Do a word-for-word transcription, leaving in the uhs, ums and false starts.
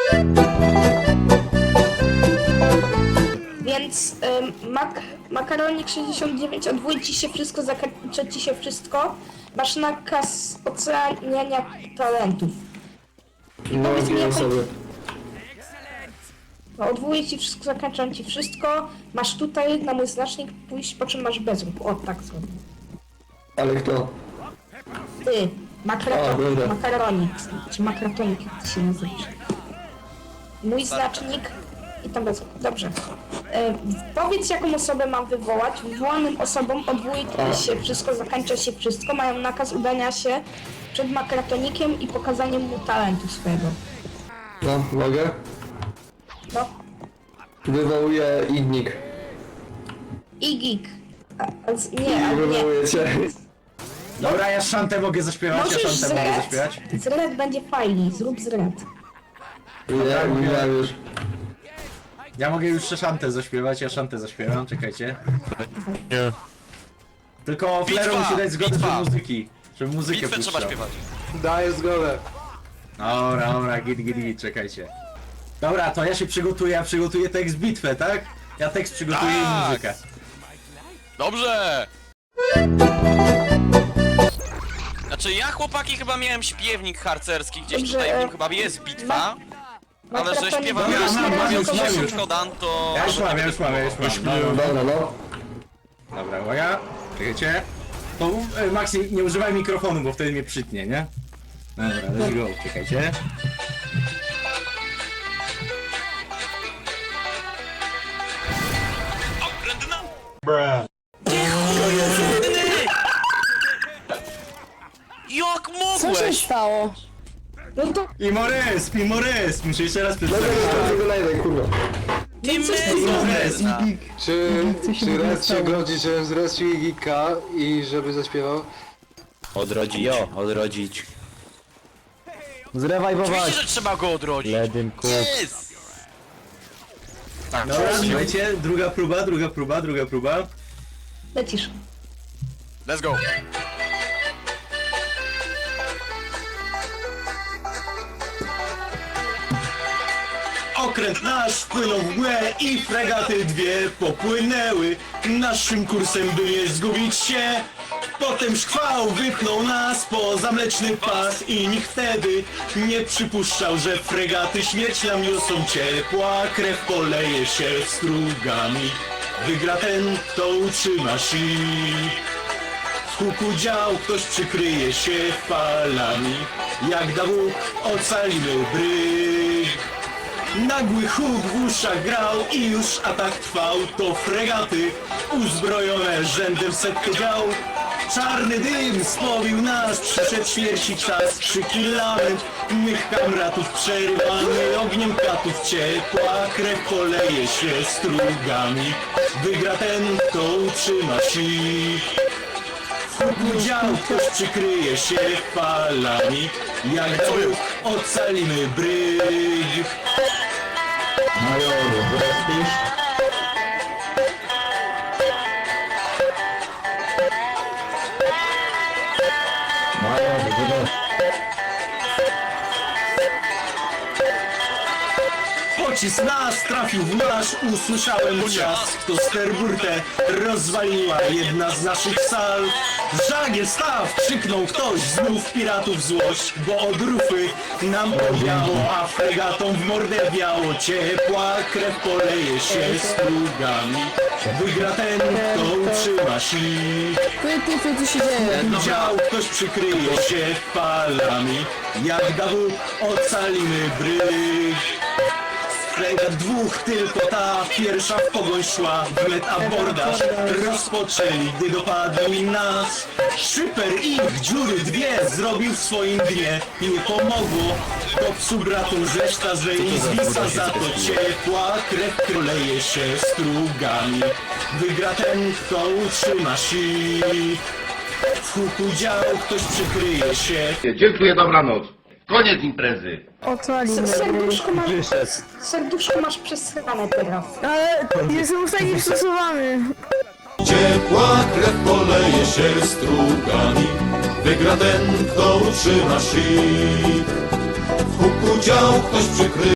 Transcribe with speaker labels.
Speaker 1: Więc ym, mak makaronik sześćdziesiąt dziewięć, odwój ci się wszystko, zakończy ci się wszystko. Masz nakaz oceniania talentów.
Speaker 2: No,
Speaker 1: Powiedz mi,
Speaker 2: dwie
Speaker 1: jaką-
Speaker 2: osoby.
Speaker 1: No, odwołuję ci wszystko, zakończam ci wszystko. Masz tutaj na mój znacznik pójść, po czym masz bezruch. O, tak zrobię.
Speaker 2: Ale kto?
Speaker 1: Ty,
Speaker 2: A,
Speaker 1: makraton,
Speaker 2: dobra.
Speaker 1: makaronik, czy makratonik, jak ty się nazywasz. Mój znacznik i tam bezruch. Dobrze. E, powiedz, jaką osobę mam wywołać. Wywołanym osobom odwołuje się wszystko, zakończa się wszystko. Mają nakaz udania się przed makratonikiem i pokazaniem mu talentu swojego.
Speaker 2: No, mogę?
Speaker 1: No.
Speaker 2: Wywołuję Ignik.
Speaker 1: I geek. A, a, z- nie, ale nie.
Speaker 2: Wywołuję cię.
Speaker 3: Dobra, ja szantę mogę zaśpiewać, ja
Speaker 1: Możesz z
Speaker 3: szantę mogę
Speaker 1: red.
Speaker 3: zaśpiewać.
Speaker 1: Z red będzie fajniej, zrób z red.
Speaker 2: Nie, mówiłem już.
Speaker 3: Ja mogę już szantę zaśpiewać, ja szantę zaśpiewam, czekajcie.
Speaker 4: Nie.
Speaker 3: Tylko Flero
Speaker 4: Bitwa,
Speaker 3: musi dać zgodę
Speaker 4: bitwa.
Speaker 3: do muzyki, żeby muzykę
Speaker 4: Bitwę trzeba
Speaker 3: puszczał.
Speaker 4: śpiewać.
Speaker 2: Daję zgodę.
Speaker 3: Dobra, dobra, git, git, git, czekajcie. Dobra, to ja się przygotuję, ja przygotuję tekst bitwę, tak? Ja tekst przygotuję i
Speaker 4: Tak.
Speaker 3: muzykę.
Speaker 4: Dobrze! Znaczy ja chłopaki chyba miałem śpiewnik harcerski, gdzieś
Speaker 1: Dobrze,
Speaker 4: tutaj w nim
Speaker 1: e,
Speaker 4: chyba jest bitwa. Ale że
Speaker 1: Makratonik
Speaker 4: śpiewam
Speaker 1: będzie
Speaker 3: ja mam,
Speaker 1: na
Speaker 3: mam,
Speaker 1: razie
Speaker 3: już, mam,
Speaker 1: kogoś-
Speaker 3: już.
Speaker 4: Szkodan, to...
Speaker 3: Ja już mam, ja już mam, ja już mam. No, no, no.
Speaker 2: Dobra, no.
Speaker 3: Dobra, uwaga, czekajcie. To e, Maxi, nie używaj mikrofonu, bo wtedy mnie przytnie, nie? Dobra, let's go, czekajcie.
Speaker 4: Okrętna! Jak
Speaker 5: Co się
Speaker 4: mogłeś?
Speaker 5: stało?
Speaker 1: No to
Speaker 3: I Morys, i Morys, muszę jeszcze raz
Speaker 2: Dobra,
Speaker 3: przedstawić.
Speaker 2: tylko na jeden, kurwa.
Speaker 4: Ty
Speaker 3: Morys.
Speaker 6: Czy, czy Red się godzi, żebym zrespił Igika i żeby zaśpiewał?
Speaker 7: Odrodzi, jo, odrodzić.
Speaker 4: Oczywiście, że trzeba go odrodzić. Yes! Tak,
Speaker 3: Dobra, słuchajcie, druga próba, druga próba, druga próba.
Speaker 1: lecisz.
Speaker 4: let's go.
Speaker 3: Okręt nasz wpłynął w mgłę i fregaty dwie popłynęły naszym kursem, by nie zgubić się. Potem szkwał wypchnął nas poza mleczny pas i nikt wtedy nie przypuszczał, że fregaty śmierć nam niosą. Ciepła krew poleje się strugami. Wygra ten, kto utrzyma sił. W huku dział ktoś przykryje się falami. Jak da Bóg, ocalimy bryg. Nagły huk w uszach grał i już atak trwał. To fregaty uzbrojone rzędem setkę dział. Czarny dym spowił nas, przyszedł śmierci czas. Krzyki lament mych kamratów przerywany ogniem katów. Ciepła krew poleje się strugami. Wygra ten, kto utrzyma sił. W huku dział ktoś przykryje się falami. Jak da Bóg, ocalimy bryg.
Speaker 2: Majoru, wrespisz? Majoru, wrespisz.
Speaker 3: Pocisk nas trafił w nasz, usłyszałem trzask. To sterburtę rozwaliła jedna z naszych sal. Żagiel staw! Krzyknął ktoś, znów piratów złość. Bo od rufy nam owiało, a fregatom w mordę wiało. Ciepła krew poleje się strugami. Wygra ten, kto utrzyma sił.
Speaker 5: Ty, ty, co tu się dzieje?
Speaker 3: Dział ktoś przykryje się falami. Jak da Bóg, ocalimy bryg. Fregat dwóch, tylko ta pierwsza w pogoń szła. Wnet abordaż rozpoczęli, gdy dopadli nas. Szyper ich dziury dwie zrobił w swoim dnie. I nie pomogło, to psu bratu reszta, że i zwisa za to. Ciepła krew kroleje się strugami. Wygra ten, kto utrzyma sił. W huku dział ktoś przykryje się.
Speaker 8: Dziękuję, dobranoc. Koniec imprezy.
Speaker 5: Ocalimy.
Speaker 1: Serduszko masz, serduszko masz przesrane teraz.
Speaker 5: Ale jestem już taki stosowany.
Speaker 9: Ciepła krew poleje się strugami. Wygra ten, kto utrzyma sił. W huku dział ktoś przykryje.